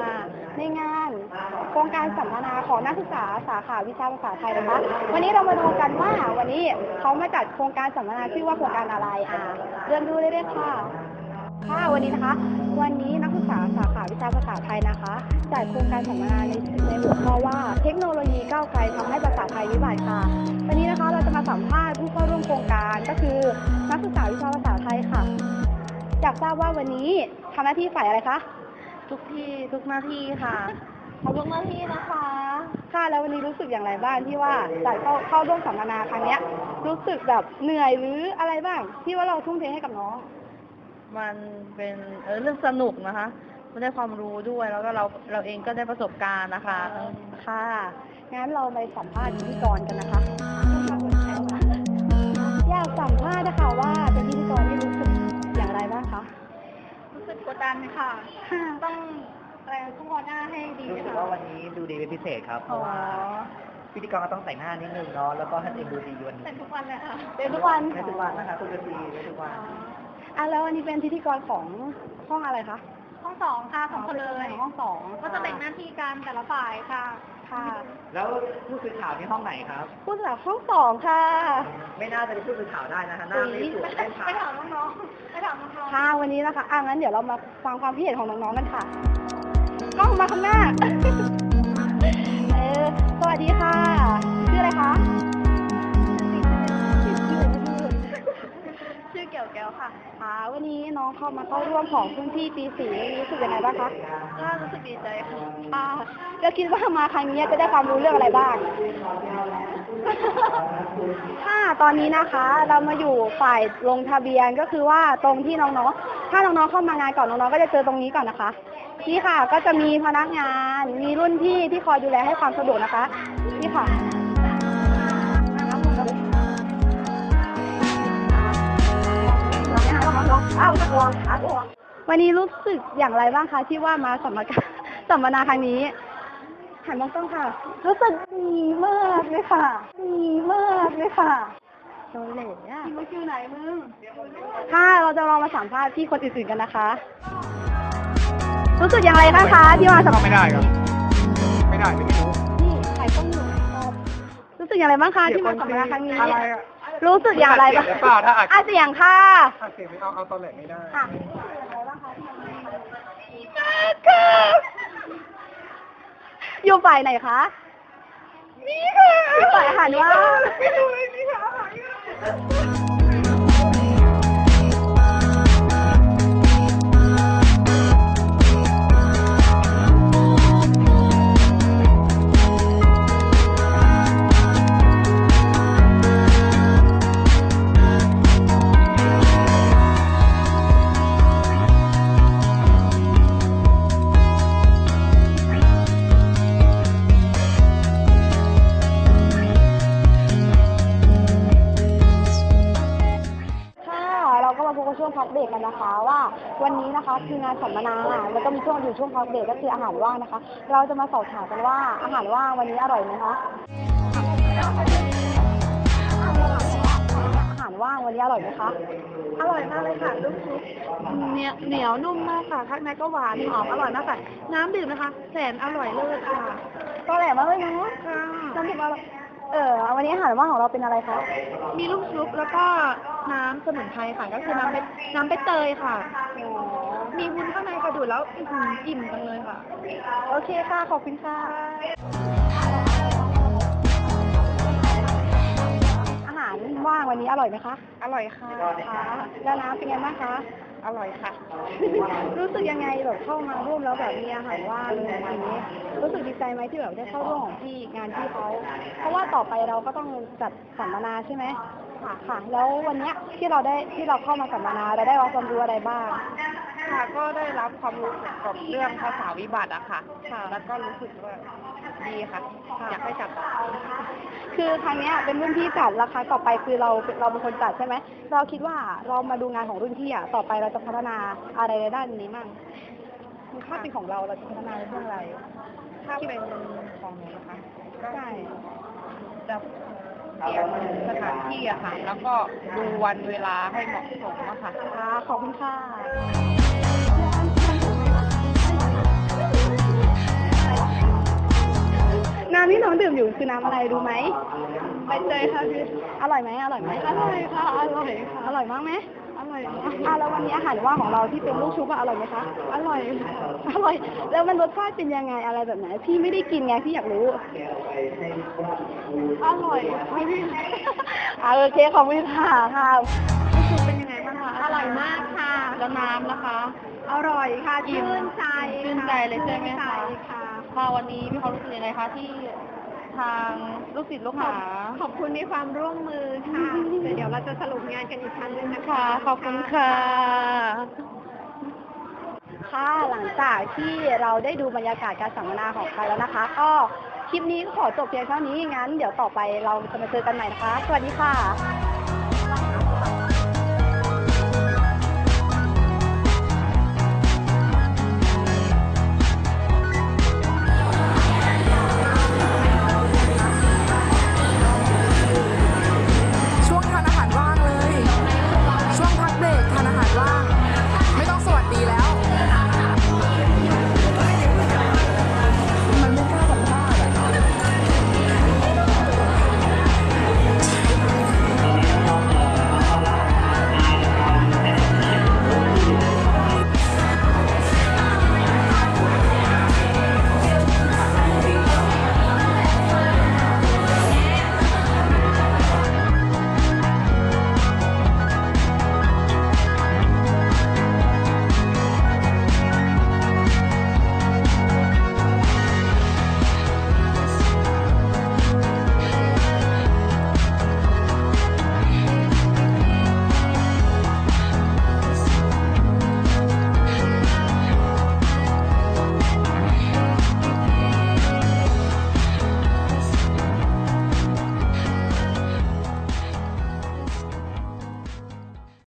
มาในงานโครงการสัมมนาของนักศึกษาสาขาวิชาภาษาไทยนะคะวันนี้เรามาดูกันว่าวันนี้เขามาจัดโครงการสัมมนาชื่อว่าโครงการอะไรเริ่มดูเลยค่ะวันนี้นะคะวันนี้นักศึกษาสาขาวิชาภาษาไทยนะคะจัดโครงการสัมมนาในหัวข้อว่าเทคโนโลยีก้าวไกลทำให้ภาษาไทยวิบัติค่ะวันนี้นะคะเราจะมาสัมภาษณ์ผู้เข้าร่วมโครงการก็คือนักศึกษาวิชาภาษาไทยค่ะอยากทราบว่าวันนี้ทำหน้าที่ฝ่ายอะไรคะทุกหน้าที่ค่ะขอบทุกหน้าที่นะคะค่ะแล้ววันนี้รู้สึกอย่างไรบ้างที่ว่าจัดเข้าร่วมสัมมนาครั้งนี้รู้สึกแบบเหนื่อยหรืออะไรบ้างที่ว่าเราทุ่มเทให้กับน้องมันเป็นเรื่องสนุกนะคะมันได้ความรู้ด้วยแล้วก็เราเองก็ได้ประสบการณ์นะคะค่ะงั้นเราไปสัมภาษณ์พิธีกรกันนะคะอยากสัมภาษณ์นะคะว่าเป็นพิธีกรที่รู้สึกอย่างไรบ้างคะรู้สึกกดดันค่ะต้องทุกคนหน้าให้ดีรู้สึกว่าวันนี้ดูดีเป็นพิเศษครับเพราะว่าพิธีกรก็ต้องแต่งหน้านิดนึงเนาะแล้วก็ให้ตัวเองดูดีวันนี้แต่งทุกวันเลยค่ะเป็นทุกวันนะคะคุณดีทุกวันแล้ววันนี้เป็นพิธีกรของห้องอะไรคะห้อง2ค่ะ2คนเลยห้อง2 ก็จะแบ่งหน้าที่กันแต่ละฝ่ายค่ะแล้วผู้สื่อข่าวที่ห้องไหนครับผู้สื่อข่าวห้อง2ค่ะไม่น่าจะเป็นผู้สื่อข่าวได้นะคะหน้าไม่สวยไปถามน้องๆค่ะวันนี้นะคะงั้นเดี๋ยวเรามาฟังความคิดเห็นของน้องๆกันค่ะกล้องมาข้างหน้าสวัสดีค่ะชื่ออะไรคะชื่อเกี่ยวแก้วค่ะวันนี้น้องเข้าร่วมของรุ่นพี่ปี4รู้สึกยังไงบ้างคะก็รู้สึกดีใจค่ะแล้วคิดว่ามาครั้งนี้จะได้ความรู้เรื่องอะไรบ้างตอนนี้นะคะเรามาอยู่ฝ่ายลงทะเบียนก็คือว่าตรงที่น้องๆถ้าน้องๆเข้ามางานก่อนน้องๆก็จะเจอตรงนี้ก่อนนะคะนี่ค่ะก็จะมีพนักงานมีรุ่นพี่ที่คอยดูแลให้ความสะดวกนะคะนี่ค่ะวันนี้รู้สึกอย่างไรบ้างคะที่ว่ามาสัมมนาครั้งนี้หันมองต้องค่ะรู้สึกดีมากเลยค่ะโดนเหล่มึงชื่อไหนมึงเราจะลองมาสัมภาษณ์พี่คนอื่นๆกันนะคะรู้สึกอย่างไรบ้างคะที่มาสัมภาษณ์ไม่ได้ครับไม่รู้นี่ใครต้องอยู่รู้สึกอย่างไรบ้างคะที่มาสัมมนาครั้งนี้รู้สึกอย่างไรบ้างเสียงค่ะเสียงไม่เอาตอนแหลกไม่ได้อยู่ฝ่ายไหนคะนี่ค่ะฝ่ายอาหารว่าไม่รู้เลยนี่ค่ะช่วงพักเบรกกันนะคะว่าวันนี้นะคะคืองานสัมมนาแล้วก็มีช่วงพักเบรกก็คืออาหารว่างนะคะเราจะมาสอบถามกันว่าอาหารว่างวันนี้อร่อยไหมคะอาหารว่างวันนี้อร่อยไหมคะอร่อยมากเลยค่ะลูกชุบเหนียวนุ่มมากค่ะข้างในก็หวานหอมอร่อยมากค่ะน้ำดื่มนะคะแสนอร่อยเลิศค่ะก็แหลมมากเลยเนาะน้ำดื่มอร่อยวันนี้อาหารว่างของเราเป็นอะไรคะมีลูกชุบแล้วก็น้ำสมุนไพรค่ะก็คือน้ำใบเตยค่ะมีวุ้นข้างในกระดูดแล้วอิ่มจังเลยค่ะโอเคค่ะขอบคุณค่ะอาหารว่างวันนี้อร่อยไหมคะอร่อยค่ะแล้วน้ำเป็นไงบ้างคะอร่อยค่ะรู้สึกยังไงแบบเข้ามาร่วมแล้วแบบมีอาหารว่างอย่างนี้รู้สึกดีใจไหมที่แบบได้เข้าร่วมของงานที่เขาเพราะว่าต่อไปเราก็ต้องจัดสัมมนาใช่ไหมค่ะแล้ววันนี้ที่เราเข้ามาสัมมนาเราได้รับความรู้อะไรบ้างค่ะก็ได้รับความรู้เกี่ยวกับเรื่องภาษาวิบัติอะค่ะแล้วก็รู้สึกว่าดีค่ะอยากให้จัดต่อคือครั้งนี้เป็นรุ่นพี่จัดแล้วครั้งต่อไปคือเราเป็นคนจัดใช่ไหมเราคิดว่าเรามาดูงานของรุ่นพี่ต่อไปเราจะพัฒนาอะไรในด้านนี้มั่งถ้าเป็นของเราจะพัฒนาในเรื่องอะไรถ้าเป็นของหนูนะคะใช่จะเตรียมสถานที่อะค่ะแล้วก็ดูวันเวลาให้เหมาะสมอะค่ะขอบคุณค่ะดื่มอยู่คือน้ำอะไรรู้ไหมใบเตยค่ะพี่อร่อยไหมอร่อยไหมอร่อยค่ะอร่อยค่ะอร่อยมากไหมอร่อยมากแล้ววันนี้อาหารว่างของเราที่เป็นลูกชุบอร่อยไหมคะอร่อยอร่อยแล้วมันรสชาติเป็นยังไงอะไรแบบไหนพี่ไม่ได้กินไงพี่อยากรู้อร่อยพี่โอเคขอบคุณค่ะเป็นยังไงบ้างคะอร่อยมากค่ะแล้วน้ำนะคะ อร่อยค่ะชื่นใจเลยใช่ไหมคะค่ะวันนี้มีความรู้สึกยังไงคะที่ทางลูกศิษย์ลูกหาขอบคุณในความร่วมมือค่ะเดี๋ยวเราจะสรุปงานกันอีกครั้งนึงนะคะขอบคุณค่ะค่ะหลังจากที่เราได้ดูบรรยากาศการสัมมนาของกันแล้วนะคะก็คลิปนี้ก็ขอจบเพียงเท่านี้งั้นเดี๋ยวต่อไปเราจะมาเจอกันใหม่นะคะสวัสดีค่ะ